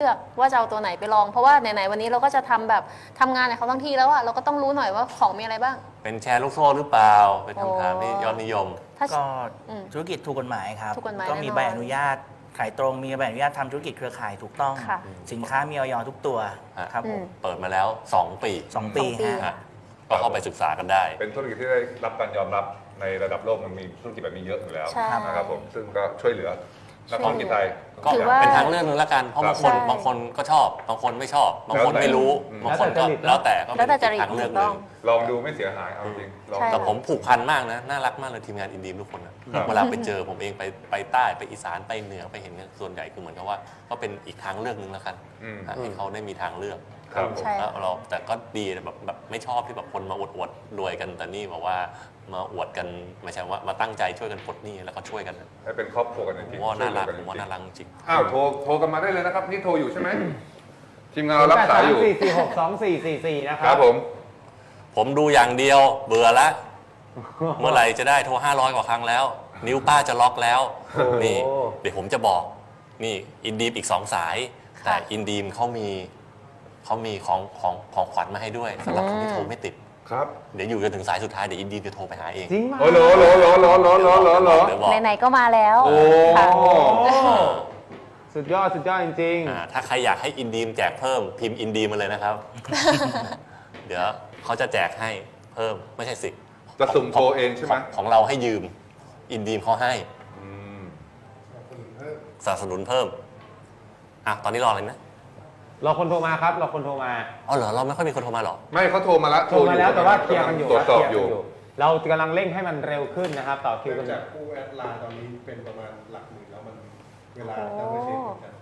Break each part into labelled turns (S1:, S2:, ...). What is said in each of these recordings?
S1: เลือกว่าจะเอาตัวไหนไปลองเพราะว่าไหนๆวันนี้เราก็จะทำงานในเขาทั้งที่แล้วอะเราก็ต้องรู้หน่อยว่าของมีอะไรบ้าง
S2: เป็นแชร์ลูกโซ่หรือเปล่าเป็นคำถามที่ยอดนิยม
S3: ก็ธุรกิจถูกกฎหมายครับก็มีใบอนุญาตขายตรงมีใบอนุญาตทำธุรกิจเครือข่ายถูกต้องสินค้ามีออยทุกตัวครับผม
S2: เปิดมาแล้ว2 ปี
S3: 2 ปี
S2: ก็เข้าไปศึกษากันได้
S4: เป็นธุรกิจที่ได้รับการยอมรับในระดับโลกมันมีธุรกิจแบบนี้เยอะอยู่แล้วนะครับผมซึ่งก็ช่วยเหลือนักธุรกิจไทย
S2: ก็เป็นทางเลือกนึงละกันเพราะบางคนก็ชอบบางคนไม่ชอบบางคนไม่รู้บางคนก็แล้วแต่ก็เป็นทางเลือกนึง
S4: ลองดูไม่เสียหายเอาจริง
S2: แต่ผมผูกพันมากนะน่ารักมากเลยทีมงานอินดีมทุกคนนะเวลาไปเจอผมเองไปใต้ไปอีสานไปเหนือไปเห็นส่วนใหญ่คือเหมือนกับว่าก็เป็นอีกทางเลือกนึงแล้วกันให้เขาได้มีทางเลือกแล้วเราแต่ก็ดีแบบไม่ชอบที่แบบคนมาอวดรวยกันแต่นี่บอกว่ามาอวดกันไม่ใช่ว่ามาตั้งใจช่วยกันปลดหนี้แล้วก็ช่วยกัน
S4: ให้เป็นครอบครัวกันจริง
S2: ๆว่าน่ารักผมว่าน่ารักจริง
S4: อ้าวโทรกันมาได้เลยนะครับนี่โทรอยู่ใช่ไหมทีมงานเรารับสายอยู่
S5: 4462444นะครับ
S2: ผมดูอย่างเดียวเบื่อละเมื่อไหร่จะได้โทร500 กว่าครั้งแล้วนิ้วป้าจะล็อกแล้วนี่เดี๋ยวผมจะบอกนี่อินดีมอีก2 สายแต่อินดีมเขามีของขวัญมาให้ด้วยสำหรับคนที่โทรไม่ติด
S4: ครับ
S2: เดี๋ยวอยู่จนถึงสายสุดท้ายเดี๋ยวอินดีมจะโทรไปหาเอง
S5: จริงไหม
S4: โอ้โห
S1: ไหนๆก็มาแล้ว
S4: โอ้
S5: สุดยอดจริง
S2: ถ้าใครอยากให้อินดีมแจกเพิ่มพิมพ์อินดีมมาเลยนะครับเดี๋ยวเขาจะแจกให้เพิ่มไม่ใช่สิ
S4: จะสุ่มโทรเองใช่ไหม
S2: ของเราให้ยืมอินดีมเขาให้สนับสนุนเพิ่มตอนนี้รออะไรนะ
S5: รอคนโทรมาครับรอคนโทรมา
S2: อ๋อเหรอเราไม่ค่อยมีคนโทรมาหรอ
S4: ไม่เขาโทรมาแล้ว
S5: แต่ว่าเคลียร์กันอยู่
S4: ตรวจสอบอยู่
S5: เรากำลังเร่งให้มันเร็วขึ้นนะครับต่อคิวกัน
S6: จากผู้แอดไลน์ตอนนี้เป็นประมาณหลักหมื่นแล้วมันเวลาจะไม่เช็คกัน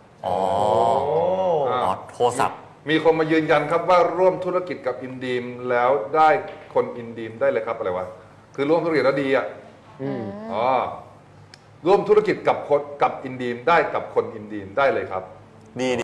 S2: โทรศัพท์
S4: มีคนมายืนยันครับว่าร่วมธุรกิจกับอินดีมแล้วได้คนอินดีมได้เลยครับอะไรวะคือร่วมธุรกิจแล้วดีร่วมธุรกิจกับอินดีมได้กับคนอินดีมได้เลยครับ
S2: ดี